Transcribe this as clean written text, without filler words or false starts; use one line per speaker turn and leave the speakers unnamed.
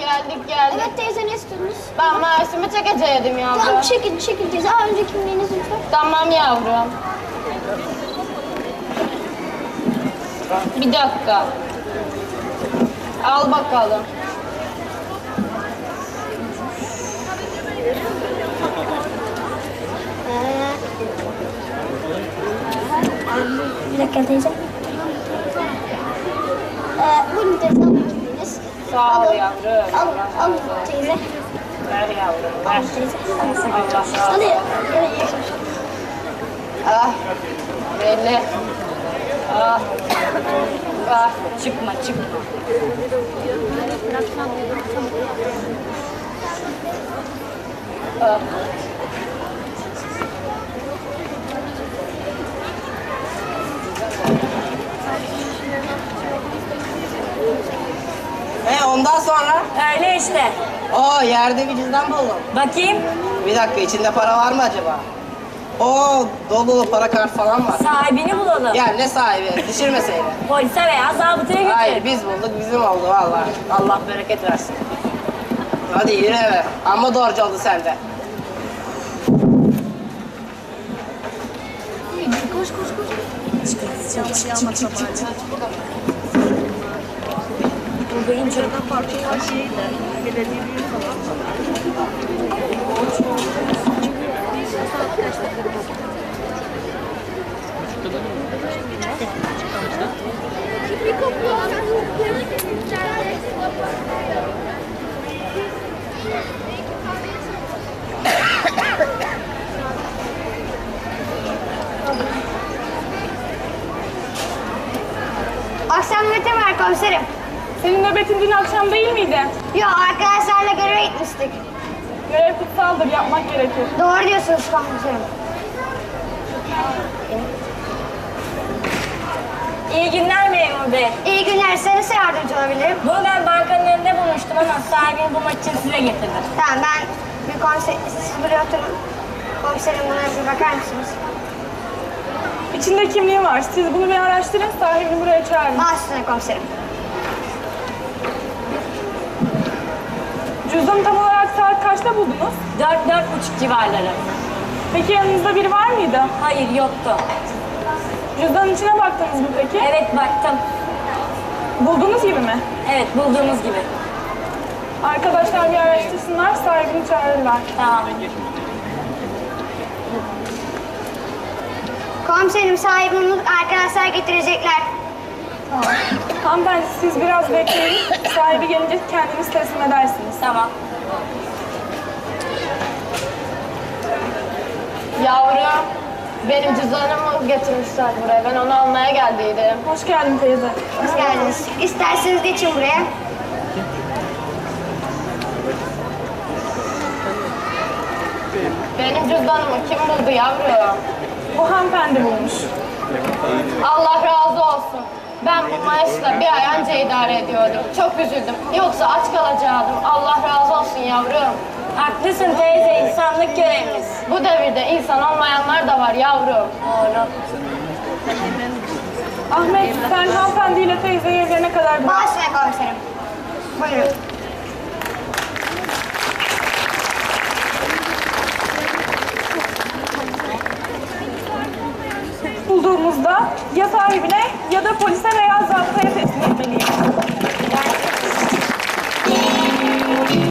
geldik.
Evet teyze, ne istediniz?
Ben maaşımı çekecektim yavrum.
Tamam, çekil teyze. Önce kimliğiniz lütfen.
Tamam yavrum. Bir dakika. Al bakalım.
Bir dakika teyze. Buyurun teyze, alın kimliğiniz.
Sağ ol yavrum.
Al teyze.
Ver yavrum.
Al
Ver.
teyze.
Allah razı olsun.
Hadi. Evet.
Ah. Belli. Ah. Ah. Çıkma. Ah.
Ondan sonra?
Öyle işte.
Oo, yerde bir cüzdan buldum.
Bakayım.
Bir dakika, içinde para var mı acaba? Oo, dolu para kart falan var.
Sahibini bulalım.
Ya ne sahibi? Düşürmeseydin.
Polise veya zabıtaya götür.
Hayır, biz bulduk, bizim oldu vallahi. Allah bereket versin. Hadi yürü eve. Amma doğrucu oldu sende.
Koş.
Buradayım canım.
Akşam nöbeti var komiserim.
Senin nöbetin dün akşam değil miydi?
Yok, arkadaşlarla göreve gitmiştik.
Görev kutsaldır, yapmak gerekir.
Doğru diyorsunuz komiserim.
İyi günler memur bey.
İyi günler, size nasıl yardımcı olabilirim?
Bunu ben bankanın önünde bulmuştum ama sahibini bulmak için size getirdim.
Tamam, ben bir siz buraya oturun. Komiserim, buna bir bakar mısınız?
İçinde kimliği var. Siz bunu bir araştırın, sahibini buraya çağırın.
Baş üstüne komiserim.
Cüzdanı tam olarak saat kaçta buldunuz?
4-4,5 civarları.
Peki yanınızda biri var mıydı?
Hayır, yoktu.
Cüzdanın içine baktınız mı peki?
Evet, baktım.
Bulduğunuz gibi mi?
Evet, bulduğumuz gibi.
Arkadaşlar bir araştırsınlar, sahibini çağırırlar.
Tamam.
Komiserim, sahibimiz arkadaşlar getirecekler.
Hanımefendi siz biraz bekleyin. Sahibi gelince kendiniz teslim edersiniz.
Tamam.
Yavrum, benim cüzdanımı getirmişler buraya. Ben onu almaya geldiydim. Hoş geldin teyze.
Hoş geldiniz. İsterseniz geçin buraya.
Benim cüzdanımı kim buldu yavrum? Bu hanımefendi bulmuş. Allah razı olsun. Ben bu maaşla bir ay önce idare ediyordum. Çok üzüldüm. Yoksa aç kalacaktım. Allah razı olsun yavrum.
Haklısın teyze, insanlık görevimiz.
Bu devirde insan olmayanlar da var yavrum.
Doğru.
Ahmet, sen hanımefendiyle teyzeyi evlerine kadar bırak.
Baş üstüne komiserim. Buyurun.
Bulduğumuzda ya sahibine ya da polise veya